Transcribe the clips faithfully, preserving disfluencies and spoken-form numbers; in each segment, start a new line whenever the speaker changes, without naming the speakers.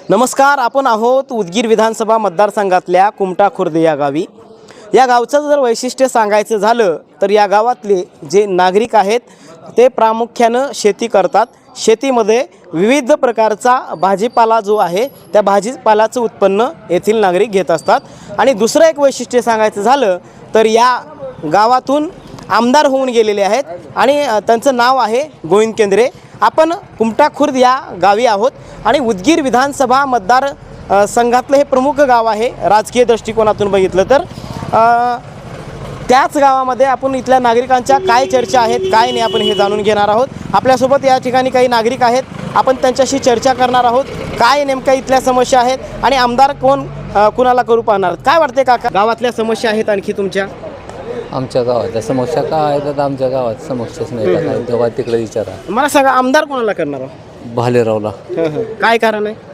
नमस्कार, आपण आहोत उदगीर विधानसभा मतदारसंघातल्या कुमटा खुर्द या गावी. या गावचं जर वैशिष्ट्य सांगायचं झालं तर या गावातले जे नागरिक आहेत ते प्रामुख्यानं शेती करतात. शेतीमध्ये विविध प्रकारचा भाजीपाला जो आहे त्या भाजीपाल्याचं उत्पन्न येथील नागरिक घेत असतात. आणि दुसरं एक वैशिष्ट्य सांगायचं झालं तर या गावातून आमदार होऊन गेलेले आहेत आणि त्यांचं नाव आहे गोविंद केंद्रे. आपण कुमटा खुर्द या गावी आहोत आणि उदगीर विधानसभा मतदार संघातलं हे प्रमुख गाव आहे राजकीय दृष्टिकोनातून बघितलं तर. त्याच गावामध्ये आपण इथल्या नागरिकांच्या काय चर्चा आहेत काय नाही आपण हे जाणून घेणार आहोत. आपल्यासोबत या ठिकाणी काही नागरिक आहेत, आपण त्यांच्याशी चर्चा करणार आहोत. काय नेमक्या इथल्या समस्या आहेत आणि आमदार कोण कुणाला करू पाहणार, काय वाटते काका गावातल्या समस्या आहेत आणखी तुमच्या?
आमच्या गावाच्या समस्या काय आहेत? आमच्या गावात समस्याच नाही काय, तेव्हा तिकडे विचारा.
मला सांगा आमदार कोणाला करणार आहोत?
भालेरावला.
काय कारण आहे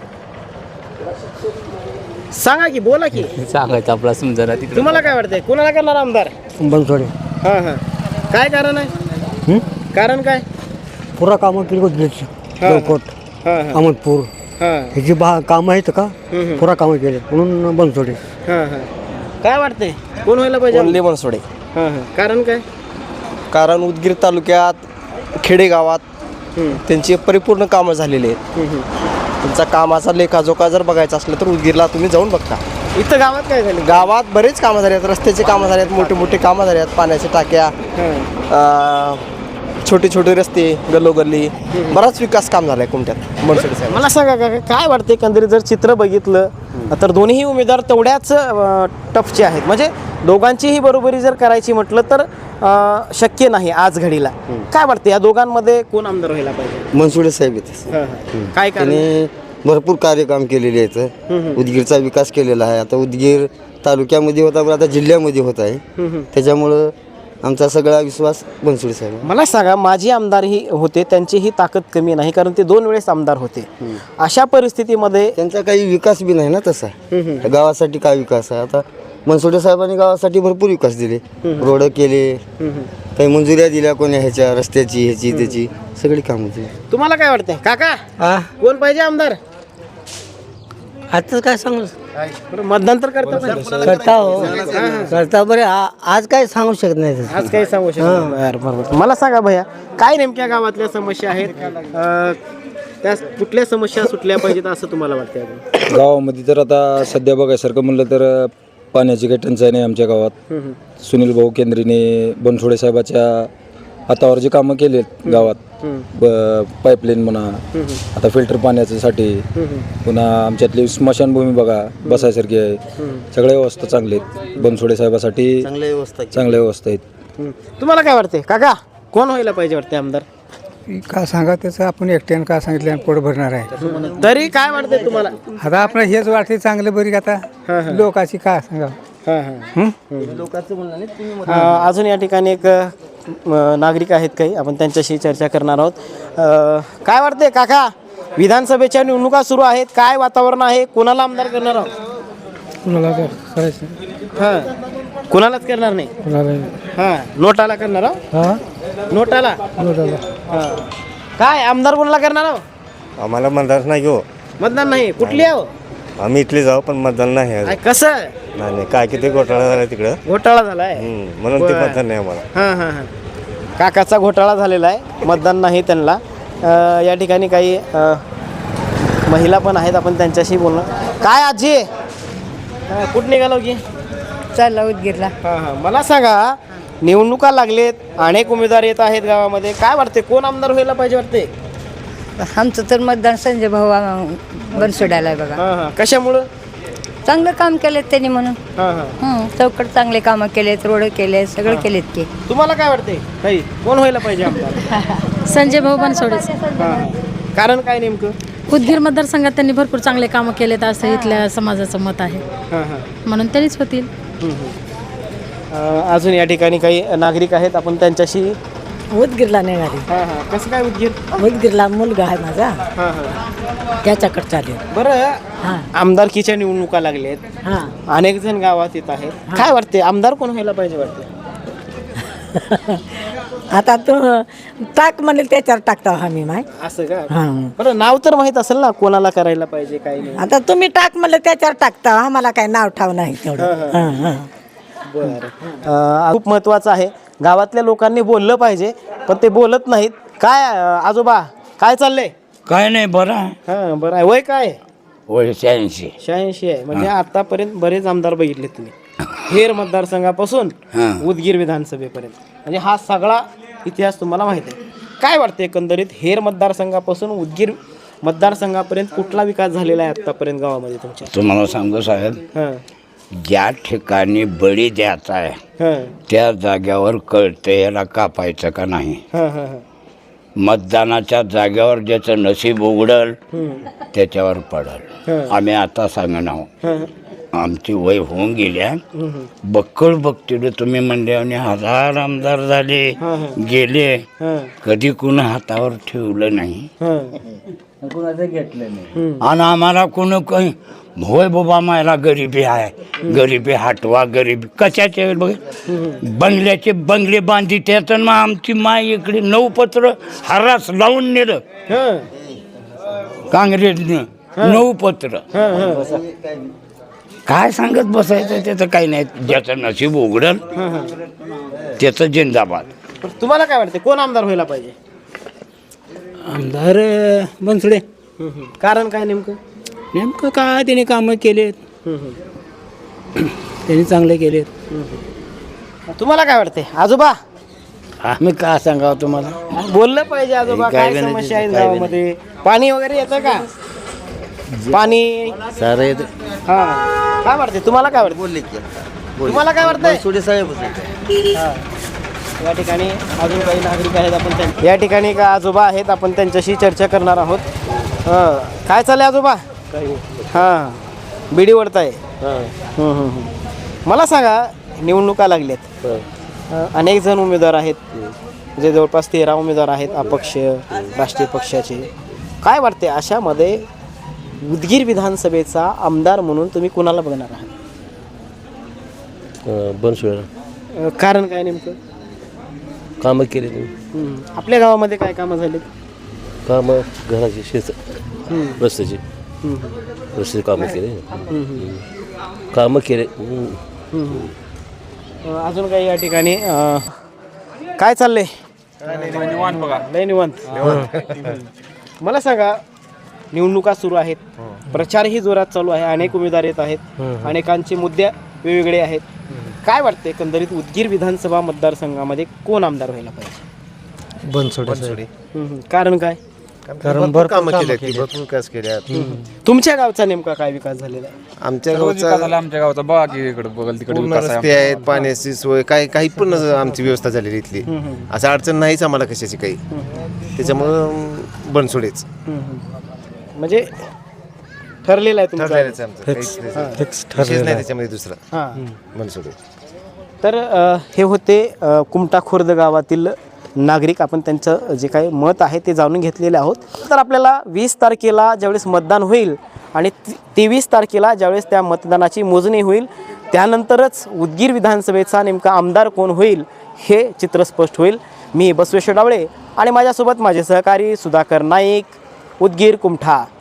सांगा की, बोला की.
सांगायचं आपला समजा तिकडे.
तुम्हाला काय वाटतंय कोणाला करणार आमदार?
बनसोडे.
हां हां काय कारण आहे? कारण काय?
पुरा कामं केली उदगीरची, लवकोट,
हां हां
अहमदपूर
हां
ह्याची बा कामं आहेत का, पुरा कामं केले म्हणून बनसोडे.
हां हां काय वाटतंय कोण व्हायला पाहिजे?
ओनली बनसोडे.
हां हां कारण काय?
कारण उदगीर तालुक्यात खेडेगावात त्यांची परिपूर्ण कामं झालेली आहेत. त्यांचा कामाचा लेखाजोखा जर बघायचा असलं तर उदगीरला तुम्ही जाऊन बघता.
इथं गावात काय झालं?
गावात बरेच कामं झाली आहेत, रस्त्याचे कामं झाले आहेत, मोठे मोठे कामं झाले आहेत, पाण्याच्या टाक्या, छोटे छोटे रस्ते, गल्लोगल्ली, बराच विकास काम झाला आहे कुमट्यात बनसोडे साहेब.
मला सांगा काका काय वाटते एकंदरीत जर चित्र बघितलं तर दोन्ही उमेदवार तेवढ्याच टफचे आहेत. म्हणजे दोघांचीही बरोबरी जर करायची म्हटलं तर शक्य नाही आज घडीला. काय वाटते या दोघांमध्ये कोण आमदार व्हायला पाहिजे?
बनसोडे साहेब आहेत.
काय कारण?
त्यांनी भरपूर कार्यक्रम केलेले आहेत, उदगीरचा विकास केलेला आहे. आता उदगीर तालुक्यामध्ये होता पण आता जिल्ह्यामध्ये होत आहे, त्याच्यामुळं आमचा सगळा विश्वास बनसोडे साहेब.
मला सांगा माझी आमदारही होते, त्यांचीही ताकद कमी नाही कारण ते दोन वेळेस आमदार होते. अशा परिस्थितीमध्ये
त्यांचा काही विकास बी नाही ना तसा. गावासाठी काय विकास आहे? आता बनसोडे साहेबांनी गावासाठी भरपूर विकास दिले, रोड केले, काही मंजुऱ्या दिल्या कोण्या ह्याच्या रस्त्याची ह्याची त्याची सगळी कामं दिली.
तुम्हाला काय वाटतंय काका कोण पाहिजे आमदार?
आताच काय सांगू
मतदान तर करता पण.
करता हो करता बरे आज काय सांगू शकत नाही.
आज काही सांगू शकत नाही. बरोबर. मला सांगा भैया काय नेमक्या गावातल्या समस्या आहेत, अं, त्या कुठल्या समस्या सुटल्या पाहिजेत असं तुम्हाला वाटतं?
गावामध्ये तर आता सध्या बघायसारखं म्हणलं तर पाण्याची काही टंचाई नाही आमच्या गावात. सुनील भाऊ केंद्रेने बनसोडे साहेबाच्या हातावर जे कामं केले गावात, पाईपलाईन म्हणा, आता फिल्टर पाण्यासाठी, पुन्हा आमच्यातली स्मशानभूमी बघा बसायसारखी आहे, सगळ्या व्यवस्था चांगल्या आहेत बनसोडे साहेबासाठी,
चांगल्या व्यवस्था
चांगल्या व्यवस्था आहेत.
तुम्हाला काय वाटते काका कोण व्हायला पाहिजे वाटते आमदार?
का सांगा त्याचं, आपण एकट्यानं का सांगितलं पोट भरणार आहे.
तरी काय वाटतंय तुम्हाला?
आता आपण हेच वाटते चांगलं बरी. आता लोकांची का सांगा.
अजून या ठिकाणी एक नागरिक आहेत काही, आपण त्यांच्याशी चर्चा करणार आहोत. काय वाटते काका विधानसभेच्या निवडणुका सुरू आहेत, काय वातावरण आहे, कोणाला आमदार करणार आहोत?
कुणाला करायचं?
हां कुणालाच करणार नाही. हां नोटाला करणार आहोत.
हां
नोटाला. हां काय आमदार कोणाला करणार आहोत?
आम्हाला मतदान नाही हो.
मतदान नाही. कुठली आहो?
आम्ही इथले जाऊ पण मतदान नाही आहे.
काय कसं?
नाही नाही काय किती घोटाळा झाला तिकडं,
घोटाळा झालाय
म्हणून ते मतदान नाही आम्हाला.
हां हां हां काकाचा घोटाळा झालेला आहे, मतदान नाही त्यांना. अ, या ठिकाणी काही अ, महिला पण आहेत, आपण त्यांच्याशी बोलणं. काय आजी कुठं निघालो की?
चालला उदगीरला.
हां हां मला सांगा निवडणुका लागलेत, अनेक उमेदवार येत आहेत गावामध्ये, काय वाटते कोण आमदार व्हायला पाहिजे वाटते?
आमचं तर मतदान संजय भाऊ बनसोड्याला आहे बघा.
हां हां कशामुळं?
चांगलं काम केलेत त्यांनी म्हणून.
हां हां
चौकट चांगले कामं केलेत, रोड केले, सगळं केलेत की.
तुम्हाला काय वाटते काही कोण व्हायला पाहिजे आमदार?
संजय भाऊ बनसोडे.
हां कारण काय नेमकं?
उदगीर मतदारसंघात त्यांनी भरपूर चांगले कामं केलेत असं इथल्या समाजाचं मत आहे,
हां हां
म्हणून त्यांनीच होतील.
अजून या ठिकाणी काही नागरिक आहेत, आपण त्यांच्याशी.
उदगीरला नेणारी.
हां हां कसं काय उदगीर?
उदगीरला मुलगा आहे माझा,
हां हां
त्याच्याकडे चालेल.
बरं
हां
आमदारकीच्या निवडणुका लागलेत,
हां
अनेक जण गावात येत आहेत, काय वाटते आमदार कोण व्हायला पाहिजे वाटते?
आता तू टाक म्हणले त्याच्यावर टाकता आम्ही माय
असं का
हां
बरं नाव तर माहीत असेल ना कोणाला करायला पाहिजे काही नाही
आता तुम्ही टाक म्हणले त्याच्यावर टाकता आम्हाला काय नाव ठाव नाही तेवढं हां हां
बरं अं, खूप महत्त्वाचं आहे गावातल्या लोकांनी बोललं पाहिजे पण ते बोलत नाहीत काय अं, आजोबा काय चाललंय
काय नाही बरं आहे.
हां बरं आहे वय काय
वय शहाऐंशी.
शहाऐंशी आहे म्हणजे आतापर्यंत बरेच आमदार बघितले तुम्ही हेर मतदारसंघापासून
हां.
उदगीर विधानसभेपर्यंत म्हणजे हा सगळा इतिहास तुम्हाला माहित आहे काय वाटतं एकंदरीत हेर मतदारसंघापासून उदगीर मतदारसंघापर्यंत कुठला विकास झालेला आहे आतापर्यंत गावामध्ये तुमच्या
तुम्हाला सांगू साहेब,
हां
ज्या ठिकाणी बळी द्यायचा आहे
हां
त्या जाग्यावर कळते याला कापायचं का नाही.
हां हां हां
मतदानाच्या जाग्यावर ज्याचं नशीब उघडल त्याच्यावर पडल.
हां.
आम्ही आता सांगणार आहोत,
हां
आमची वय होऊन गेल्या बक्कळ बघतील तुम्ही म्हणले आणि हजार आमदार झाले गेले,
हां
कधी कुणा हातावर ठेवलं नाही
हां
आणि आम्हाला कोण काही होय बाबा मला गरिबी आहे, गरिबी हटवा, गरिबी कशाचे बघ बंगल्याचे बंगले बांधी त्याचं मग आमची माय इकडे नऊ पत्र हरास लावून नेलं
हां
काँग्रेसनं नऊ पत्र.
हां हां
काय सांगत बसायचं त्याचं काही नाही, ज्याचं नशीब उघडल त्याचं जिंदाबाद.
पण तुम्हाला काय वाटतं कोण आमदार व्हायला पाहिजे
आमदार बनसोडे
कारण काय नेमकं
नेमकं काय त्याने कामं केलेत त्यांनी चांगले केलेत.
तुम्हाला काय वाटतंय आजोबा
आम्ही काय सांगावं तुम्हाला,
बोललं पाहिजे आजोबा काय समस्या आहेत गावामध्ये पाणी वगैरे येतं का पाणी
सारे
हा काय वाटते तुम्हाला काय वाटतं
बोलले की
तुम्हाला काय वाटतंय
सोडे साहेब
हा. या ठिकाणी अजून काही नागरिक आहेत आपण त्यां- या ठिकाणी का आजोबा आहेत आपण त्यांच्याशी चर्चा करणार आहोत. हं. काय चाललंय आजोबा हां बिडी ओढताय हं, हं, हं. मला सांगा निवडणुका लागल्यात अं, अनेक जण उमेदवार आहेत जे जवळपास तेरा उमेदवार आहेत अपक्ष राष्ट्रीय पक्षाचे काय वाटते अशामध्ये उदगीर विधानसभेचा आमदार म्हणून तुम्ही कुणाला बघणार आहात
बनसोडे
अं, कारण काय नेमकं
कामं केले तुम्ही
हं. आपल्या गावामध्ये काय कामं झालीत
कामं घराची शेत रस्त्याची
हं,
रस्त्याची कामं केले
हं, हं.
कामं केले
अं, अजून काही या ठिकाणी अं, काय चाललंय लय निवांत मला सांगा निवडणुका सुरू आहेत प्रचारही जोरात चालू आहे अनेक उमेदवार येत आहेत अनेकांचे मुद्दे वेगवेगळे आहेत काय वाटते एकंदरीत उदगीर विधानसभा मतदारसंघामध्ये कोण आमदार व्हायला पाहिजे
बनसोडे
हं, हं. कारण काय
कारण भरपूर कामं केले भरपूर विकास केल्या.
तुमच्या गावचा नेमका काय विकास झालेला आहे
आमच्या गावचा
आमच्या गावाचा बघा की इकडे बघल तिकडे
पूर्ण रस्ते आहेत, पाण्याची सोय काही काही पण आमची व्यवस्था झालेली इथली. असं अडचण नाहीच आम्हाला कशाची काही, त्याच्यामुळं बनसोडेच
हं, हं. म्हणजे ठरलेलं आहे तुमचं
ठरलेलंच आहे आमचं. काहीच विशेष नाही त्याच्यामध्ये दुसरा
हां
बनसोडे.
तर अ, हे होते अ, कुमटा खुर्द गावातील नागरिक आपण त्यांचं जे काही मत आहे ते जाणून घेतलेले आहोत. तर आपल्याला वीस तारखेला ज्यावेळेस मतदान होईल आणि तेवीस तारखेला ज्यावेळेस त्या मतदानाची मोजणी होईल त्यानंतरच उदगीर विधानसभेचा नेमका आमदार कोण होईल हे चित्र स्पष्ट होईल. मी बसवेश्वर डावळे आणि माझ्यासोबत माझे सहकारी सुधाकर नाईक, उदगीर कुमठा.